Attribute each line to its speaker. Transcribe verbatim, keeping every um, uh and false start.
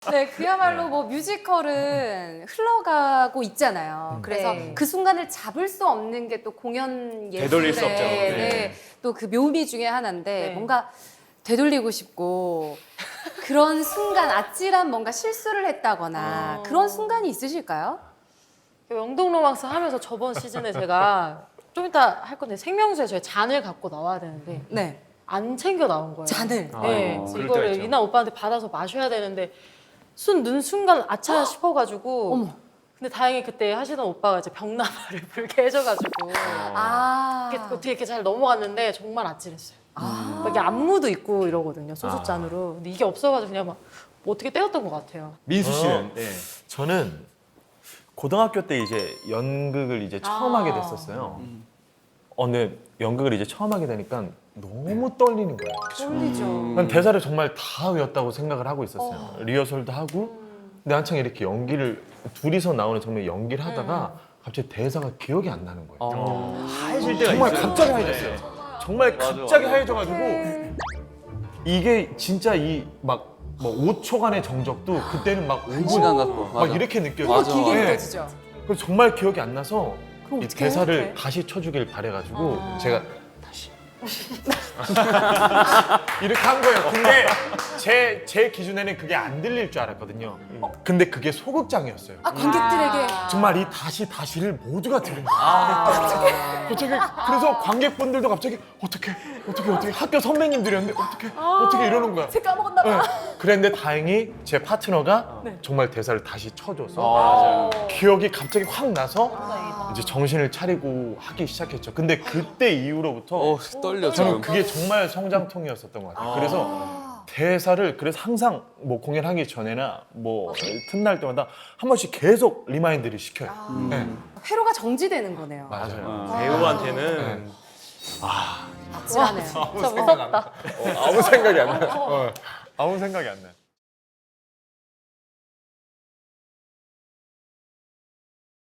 Speaker 1: 네, 그야말로 뭐 뮤지컬은 흘러가고 있잖아요. 그래서
Speaker 2: 네.
Speaker 1: 그 순간을 잡을 수 없는 게 또 공연 예술의
Speaker 3: 되돌릴 수 없죠.
Speaker 1: 네,
Speaker 3: 네.
Speaker 1: 또 그 묘미 중에 하나인데
Speaker 2: 네.
Speaker 1: 뭔가 되돌리고 싶고 그런 순간 아찔한 뭔가 실수를 했다거나
Speaker 2: 어.
Speaker 1: 그런 순간이 있으실까요?
Speaker 2: 영동 로망스 하면서 저번 시즌에 제가 좀 이따 할 건데 생명수에 저희 잔을 갖고 나와야 되는데
Speaker 1: 네,
Speaker 2: 안 챙겨 나온 거예요.
Speaker 1: 잔을.
Speaker 2: 네,
Speaker 3: 아이고, 그럴
Speaker 2: 이거를
Speaker 3: 때가 있죠.
Speaker 2: 이나 오빠한테 받아서 마셔야 되는데 순 눈 순간 아차 싶어가지고.
Speaker 1: 어머.
Speaker 2: 근데 다행히 그때 하시던 오빠가 이제 병나발을 불게 해줘가지고
Speaker 1: 아,
Speaker 2: 이렇게 어떻게 이렇게 잘 넘어갔는데 정말 아찔했어요.
Speaker 1: 아.
Speaker 2: 막 이게 안무도 있고 이러거든요, 소주잔으로. 근데 이게 없어가지고 그냥 막뭐 어떻게 떼었던 것 같아요.
Speaker 3: 민수 씨는
Speaker 4: 어.
Speaker 3: 네.
Speaker 4: 저는 고등학교 때 이제 연극을 이제 처음
Speaker 2: 아.
Speaker 4: 하게 됐었어요. 어, 근데 연극을 이제 처음 하게 되니까 너무 떨리는 거예요.
Speaker 1: 떨리죠.
Speaker 4: 난 대사를 정말 다 외웠다고 생각을 하고 있었어요. 리허설도 하고. 근데 한창 이렇게 연기를 둘이서 나오는 정말 연기를 하다가 갑자기 대사가 기억이 안 나는 거예요.
Speaker 3: 어. 하얘질 때가
Speaker 4: 정말
Speaker 3: 있어요.
Speaker 4: 갑자기 하얘졌어요. 정말
Speaker 3: 맞아,
Speaker 4: 갑자기
Speaker 3: 맞아.
Speaker 4: 하얘져가지고 이게 진짜 이 막 뭐 오 초간의 정적도 그때는 막 오 분
Speaker 5: 시간 갖고.
Speaker 4: 막
Speaker 5: 맞아.
Speaker 4: 이렇게 느껴져요.
Speaker 1: 뭔가
Speaker 5: 맞아.
Speaker 1: 길게
Speaker 4: 네.
Speaker 1: 느껴지죠.
Speaker 4: 그래서 정말 기억이 안 나서
Speaker 1: 그럼
Speaker 4: 이
Speaker 1: 어떡해?
Speaker 4: 대사를
Speaker 1: 어떡해?
Speaker 4: 다시 쳐주길 바래가지고
Speaker 2: 아.
Speaker 4: 제가 다시 이렇게 한 거예요. 근데 제, 제 기준에는 그게 안 들릴 줄 알았거든요. 근데 그게 소극장이었어요.
Speaker 1: 아, 관객들에게
Speaker 4: 정말 이 다시 다시를 모두가 들은 거예요. 갑자기 그래서 관객분들도 갑자기 어떻게 어떻게 어떻게 학교 선배님들이었는데 어떻게 어떻게 이러는 거야.
Speaker 1: 제 까먹었나 봐.
Speaker 4: 네. 그랬는데 다행히 제 파트너가 정말 대사를 다시 쳐줘서
Speaker 3: 맞아요.
Speaker 4: 기억이 갑자기 확 나서 이제 정신을 차리고 하기 시작했죠. 근데 그때 이후로부터
Speaker 5: 어, 떨려
Speaker 4: 저는
Speaker 5: 지금.
Speaker 4: 그게 정말 성장통이었었던 것 같아요. 그래서 대사를 그래서 항상 뭐 공연하기 전에나 뭐 틈날 때마다 한 번씩 계속 리마인드를 시켜요. 네.
Speaker 1: 회로가 정지되는 거네요.
Speaker 4: 맞아요.
Speaker 3: 배우한테는
Speaker 1: 아찔하네요.
Speaker 2: 진짜 무섭다.
Speaker 4: 아무 생각이 안 나요. 어, 아무 생각이 안 나요.